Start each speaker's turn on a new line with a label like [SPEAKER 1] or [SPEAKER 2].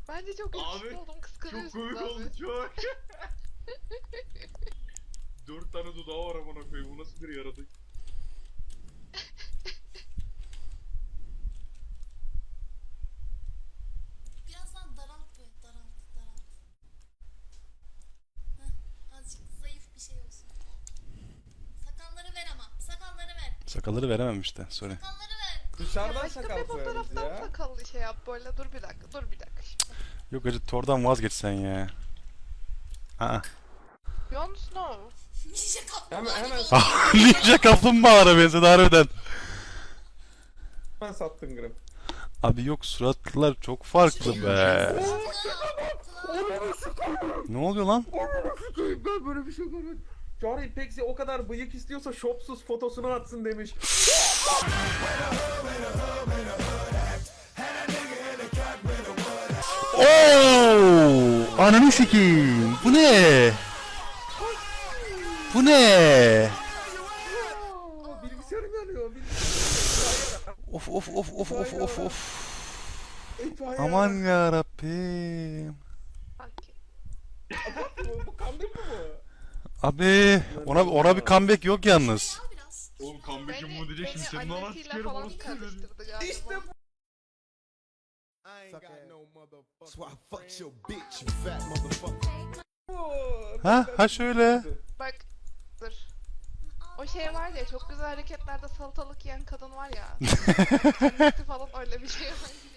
[SPEAKER 1] Bence çok yakışıklı
[SPEAKER 2] Abi,
[SPEAKER 1] oldum,
[SPEAKER 2] Çok
[SPEAKER 1] kıskanıyorsunuz
[SPEAKER 2] komik
[SPEAKER 1] abi.
[SPEAKER 2] oldu çok. 4 tane dudağı var amına koyayım. Bu nasıl bir yaratık?
[SPEAKER 3] Birazdan daralt böyle, daralt. Heh, azıcık zayıf bir şey olsun. Sakalları ver ama, sakalları ver.
[SPEAKER 4] Sakalları veremem işte. Sorry.
[SPEAKER 3] Sakalları ver.
[SPEAKER 5] Dışarıdan
[SPEAKER 1] Başka
[SPEAKER 5] sakal
[SPEAKER 1] bir
[SPEAKER 5] koyarız
[SPEAKER 1] fotoğraftan
[SPEAKER 5] ya.
[SPEAKER 1] sakallı şey yap böyle, dur bir dakika şimdi.
[SPEAKER 4] Yok acı Thor'dan vazgeç sen ya. Aa.
[SPEAKER 1] Jon Snow.
[SPEAKER 3] Ninja kaplumbağa
[SPEAKER 5] Hemen
[SPEAKER 3] gibi oldu.
[SPEAKER 4] Ninja kaplumbağalara benzedi harbiden.
[SPEAKER 5] Hemen sattın Grim.
[SPEAKER 4] Abi yok suratlar çok farklı be. Ne oluyor lan?
[SPEAKER 5] Ben böyle bir şey görmedim. Charlie Pexi o kadar bıyık istiyorsa şopsuz fotosunu atsın demiş.
[SPEAKER 4] Oo! Ananı sikeyim. Bu ne? Bu ne?
[SPEAKER 5] Bilgisayarım yanıyor.
[SPEAKER 4] Of of of of of of of.
[SPEAKER 5] İtfaiye.
[SPEAKER 4] Aman ya Rabbim.
[SPEAKER 1] Okey.
[SPEAKER 5] Bu comeback mi bu?
[SPEAKER 4] Abi ona bir comeback yok yalnız.
[SPEAKER 3] Ya biraz.
[SPEAKER 2] Oğlum comeback'im bu diyecek şimdi senin anan
[SPEAKER 1] annesiyle
[SPEAKER 2] sikerim
[SPEAKER 1] falan
[SPEAKER 2] orası.
[SPEAKER 1] karıştırdı galiba.
[SPEAKER 5] İşte bu.
[SPEAKER 6] That's why I fucked your bitch, you fat motherfucker.
[SPEAKER 4] Ha şöyle.
[SPEAKER 1] Bak dur. O şey var ya, çok güzel hareketlerde salatalık yiyen kadın var ya. Annesi falan öyle bir şey var.